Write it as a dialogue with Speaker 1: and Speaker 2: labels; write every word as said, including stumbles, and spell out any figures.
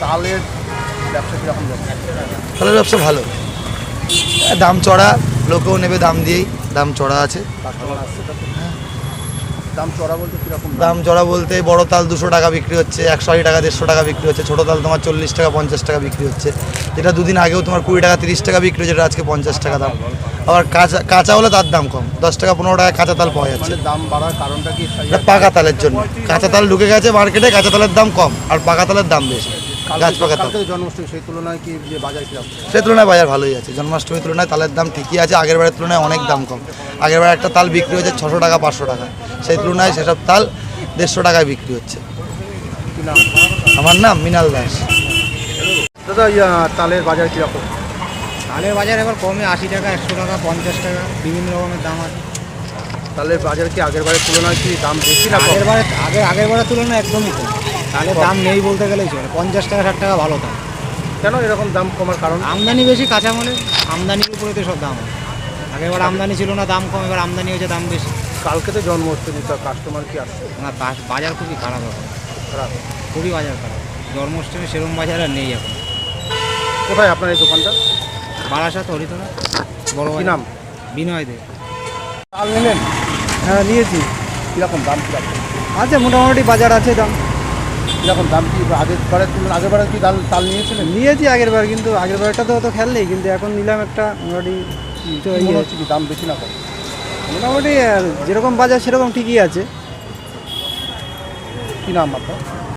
Speaker 1: তালের ব্যবসা কীরকম যাচ্ছে?
Speaker 2: তালের ব্যবসা ভালো, দাম চড়া, লোকেও নেবে দাম দিয়েই, দাম চড়া আছে।
Speaker 1: কাস্টমার আসছে তাতে? দাম চড়া বলতে কীরকম?
Speaker 2: দাম চড়া বলতে বড় তাল দুশো টাকা বিক্রি হচ্ছে, একশো আশি টাকা দেড়শো টাকা বিক্রি হচ্ছে, ছোটো তাল তোমার চল্লিশ টাকা পঞ্চাশ টাকা বিক্রি হচ্ছে, যেটা দুদিন আগেও তোমার কুড়ি টাকা তিরিশ টাকা বিক্রি হচ্ছে, যেটা আজকে পঞ্চাশ টাকা দাম। আবার কাঁচা কাঁচা হলে তার দাম কম, দশ টাকা পনেরো টাকা কাঁচা তাল পাওয়া যাচ্ছে।
Speaker 1: মানে দাম বাড়ার কারণটা কি?
Speaker 2: এটা পাকা তালের জন্য, কাঁচা তাল ঢুকে গেছে মার্কেটে, কাঁচা তালের দাম কম আর পাকা তালের দাম বেশি। গাছ পাকা তাল
Speaker 1: কালকে জন্মাষ্টমী, সেই তুলনায় কি যে বাজার কীরকম?
Speaker 2: সেই তুলনায় বাজার ভালোই আছে, জন্মাষ্টমীর তুলনায় তালের দাম ঠিকই আছে, আগের বারের তুলনায় অনেক দাম কম। আগের বার একটা তাল বিক্রি হয়েছে ছশো টাকা পাঁচশো টাকা, সেই তুলনায় সেসব তাল দেড়শো টাকায় বিক্রি হচ্ছে।
Speaker 1: কি নাম?
Speaker 2: আমার নাম মৃণাল দাস।
Speaker 1: দাদা ইয়া তালের বাজার কীরকম?
Speaker 3: তালের বাজার এবার কমে আশি টাকা একশো টাকা পঞ্চাশ টাকা বিভিন্ন রকমের দাম আছে।
Speaker 1: তালের বাজার কি আগের বারের তুলনায় কি দাম বেশি না কম?
Speaker 3: আগের বারে আগে আগের বারের তুলনায় একদমই কম, তালের দাম নেই বলতে গেলেই চলে। পঞ্চাশ টাকা ষাট টাকা ভালো দাম।
Speaker 1: কেন এরকম দাম কমার কারণ?
Speaker 3: আমদানি বেশি কাঁচামালের, আমদানির উপরে তো সব দাম আছে। আগের বার আমদানি ছিল না, দাম কম, এবার আমদানি হয়েছে, দাম বেশি।
Speaker 1: কালকে তো জন্মাষ্টমী, তো কাস্টমার কি আসছে?
Speaker 3: না, বা- বাজার খুবই খারাপ এখন,
Speaker 1: খারাপ।
Speaker 3: খুবই বাজার খারাপ। জন্মাষ্টমী সেরম বাজার আর নেই এখন।
Speaker 1: কোথায় আপনার এই দোকানটা?
Speaker 3: বারাসাত হরিতলা বড়
Speaker 1: কি
Speaker 3: বাজার।
Speaker 1: নাম?
Speaker 3: বিনয় দে।
Speaker 1: তাল নিলেন?
Speaker 3: হ্যাঁ নিয়েছি,
Speaker 1: কীরকম দাম কীরকম?
Speaker 3: আছে মোটামুটি বাজার আছে দাম।
Speaker 1: কীরকম দাম কি আগের বারের তুলনায়? আগের বারে কি তাল তাল নিয়েছিলেন?
Speaker 3: নিয়েছি আগের বার, কিন্তু আগের বারটা তো অত খেয়াল নেই, কিন্তু এখন নিলাম একটা মোটামুটি। তো
Speaker 1: কি
Speaker 3: ইয়ে-
Speaker 1: মনে হচ্ছে কি দাম বেশি না কম?
Speaker 3: মোটামুটি আহ, যেরকম বাজার সেরকম ঠিকই আছে।
Speaker 1: কি নাম আপনার?